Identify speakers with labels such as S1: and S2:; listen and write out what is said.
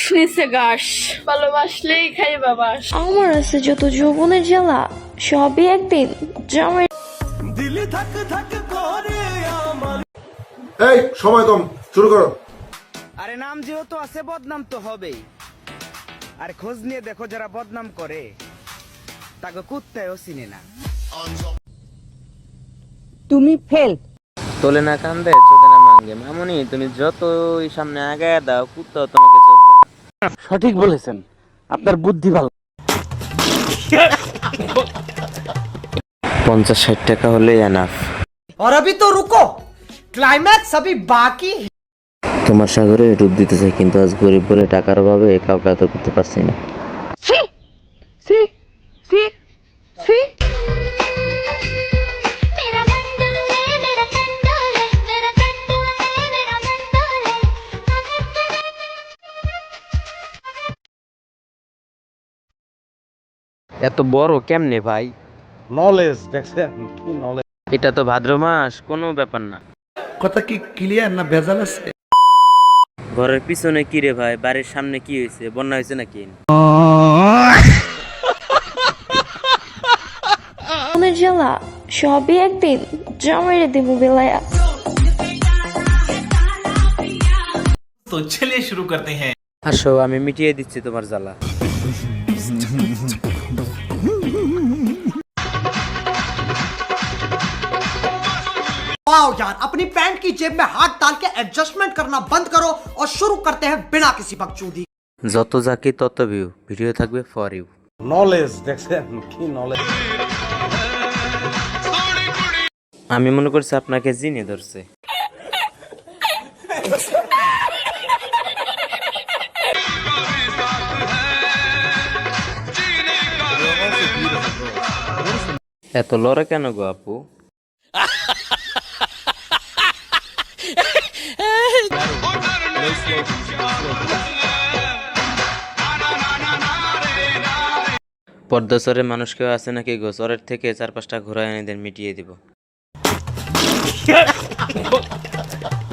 S1: নিচে ঘাস, ভালোবাসলেই খাইবা বাস।
S2: আমার আছে যত যৌবনের জ্বালা, সবই একদিন জামাই।
S3: এই সময় কম, শুরু করো।
S4: আরে নাম যেহেতু আছে বদনাম তো হবেই। আর খোঁজ নিয়ে দেখো যারা বদনাম করে তাকে কুত্তায়ও চিনে না।
S5: তুমি ফেল।
S6: তোলে না কান্দে চোদে না মাঙ্গে। মামুনি তুমি যতই সামনে আগায় দাও কুত্তাও তোমাকে চোদবে না।
S5: সঠিক বলেছেন, আপনার বুদ্ধি ভালো।
S6: 50-60 টাকা হলেই এনাফ।
S7: और अभी तो रुको, क्लाइमैक्स अभी बाकी।
S6: তোমার সাগরে ডুব দিতে চাই, কিন্তু আজ গরিব বলে টাকার অভাবে কাউকে আদর করতে পারছি না। এত বড় কেমনে ভাই?
S5: নলেজ দেখছেন কি নলেজ।
S6: এটা তো ভাদ্র মাস, কোনো ব্যাপার না।
S7: কথা কি ক্লিয়ার না ভেজাল আছে?
S6: ঘরের পিছনে কি রে ভাই? বাড়ির সামনে কি হয়েছে? বন্যা হয়েছে নাকি?
S2: যৌবনের জ্বালা, সবই একদিন জামাইরে দেব বেলায়া।
S8: तो चलिए शुरू करते हैं।
S6: আসো, আমি মিটিয়ে দিচ্ছি তোমার জ্বালা।
S7: वाओ यार, अपनी पैंट की जेब में हाथ डाल के एडजस्टमेंट करना बंद करो और शुरू करते हैं बिना किसी बकचोदी।
S6: যত যাকে তত ভিউ, ভিডিও থাকবে ফর ইউ।
S5: নলেজ দেখছেন কি নলেজ।
S6: আমি মনে করছি আপনাকে জিনে ধরছে। এত লড়ে কেন গো আপু? পর্দা চরে মানুষ কেউ আছে নাকি গো? চরের থেকে 4-5টা ঘোড়া এনে দেন, মিটিয়ে দিব।